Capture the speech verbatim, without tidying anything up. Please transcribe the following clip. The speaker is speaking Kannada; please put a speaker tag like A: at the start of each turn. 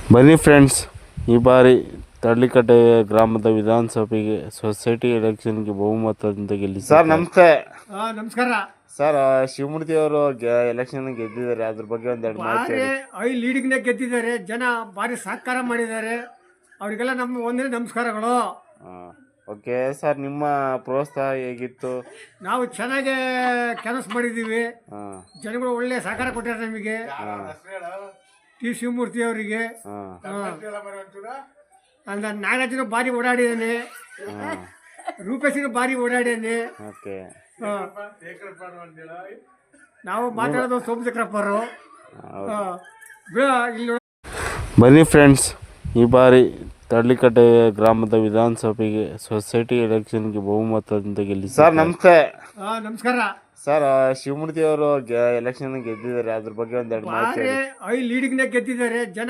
A: ಬನ್ನಿ ಫ್ರೆಂಡ್ಸ್, ಈ ಬಾರಿ ತಳ್ಳಿಕಟ್ಟೆ ಗ್ರಾಮದ ವಿಧಾನಸಭೆಗೆ ಸೊಸೈಟಿ ಎಲೆಕ್ಷನ್ಗೆ ಬಹುಮತದಿಂದ ಗೆಲ್ಲಿ ಸರ್. ನಮಸ್ತೆ.
B: ಆ, ನಮಸ್ಕಾರ
A: ಸರ್, ಶಿವಮೂರ್ತಿ ಅವರು ಎಲೆಕ್ಷನ್ ಗೆದ್ದಿದ್ದಾರೆ, ಅದ್ರ ಬಗ್ಗೆ ಒಂದೆರಡು ಮಾಹಿತಿ
B: ಭಾರಿ
A: ಹೇಳಿ.
B: ಐ ಲೀಡಿಂಗ್ನೇ ಗೆದ್ದಿದ್ದಾರೆ. ಜನ ಭಾರಿ ಸಹಕಾರ ಮಾಡಿದ್ದಾರೆ. ಅವರಿಗೆಲ್ಲ ನಮ್ಮ ಒಂದೇ ನಮಸ್ಕಾರಗಳು.
A: ಓಕೆ ಸರ್, ನಿಮ್ಮ ಪ್ರೋತ್ಸಾಹ ಹೇಗಿತ್ತು?
B: ನಾವು ಚೆನ್ನಾಗಿ ಕೆಲಸ ಮಾಡಿದ್ದೀವಿ.
A: ಹಾಂ
B: ಜನಗಳು ಒಳ್ಳೆ ಸಹಕಾರ ಕೊಟ್ಟಿದ್ದಾರೆ ನಮಗೆ. ಟಿ ಶಿವಮೂರ್ತಿ ಅವರಿಗೆ ಅಂದ ನಾಗರಾಜನು ಭಾರಿ ಓಡಾಡಿದ್ದಾನೆ, ರೂಪೇಶನು ಭಾರಿ ಓಡಾಡಿದ್ದಾನೆ.
A: ಓಕೆ.
B: ನಾವು ಮಾತಾಡೋದು ಸೋಮಶೇಖರಪ್ಪರು. ಇಲ್ಲಿ
A: ಬನ್ನಿ ಫ್ರೆಂಡ್ಸ್, ಈ ಬಾರಿ ತಳ್ಳಿಕಟ್ಟೆ ಗ್ರಾಮದ ವಿಧಾನಸಭೆಗೆ ಸೊಸೈಟಿ ಎಲೆಕ್ಷನ್ಗೆ ಬಹುಮತದಿಂದ ಗೆಲ್ಲಿ ಸರ್. ನಮಸ್ತೆ.
B: ಆ, ನಮಸ್ಕಾರ
A: ಸರ್, ಶಿವಮೂರ್ತಿ ಅವರು ಎಲೆಕ್ಷನ್ ಗೆದ್ದಿದ್ದಾರೆ, ಅದ್ರ ಬಗ್ಗೆ ಒಂದೆರಡು ಮಾಹಿತಿ
B: ಭಾರಿ
A: ಹೇಳಿ.
B: ಐ ಲೀಡಿಂಗ್ನೇ ಗೆದ್ದಿದ್ದಾರೆ. ಜನ